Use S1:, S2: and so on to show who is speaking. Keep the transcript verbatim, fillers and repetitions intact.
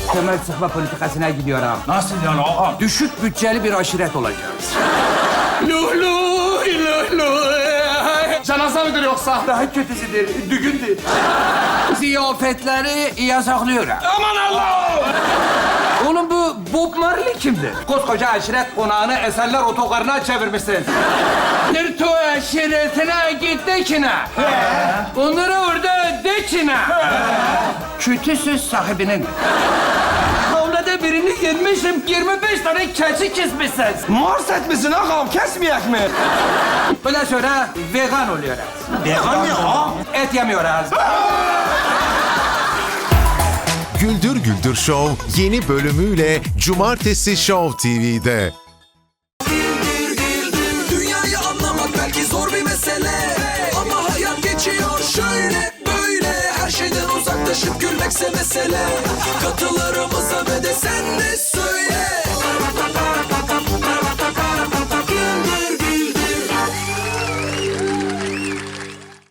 S1: temel sıkma politikasına gidiyorum.
S2: Nasıl yani ağam?
S1: Düşük bütçeli bir aşiret olacağız.
S2: Luhlu, luhlu. Cenaze midir yoksa?
S1: Daha kötüsüdür, düğündür. Ziyafetleri yasaklıyorum.
S2: Aman Allah!
S1: Oğlum bu Bob Marley kimdir? Koskoca aşiret konağını eserler otogarına çevirmişsin. Nırto aşiretine git dekine. Onları orada dekine. Kötü söz sahibinin. Kavlada birini yenmişim, yirmi beş tane keçi kesmişsiniz.
S3: Mars etmişsin ağam, kesmeyek mi?
S1: Bundan sonra vegan oluyoruz.
S3: Vegan ne ağam?
S1: Et yemiyoruz.
S4: Güldür Güldür Show yeni bölümüyle Cumartesi Show T V'de.
S5: Dünyayı anlamak belki zor bir mesele, ama hayat geçiyor şöyle böyle. Her şeyden uzaklaşıp gülmekse mesele.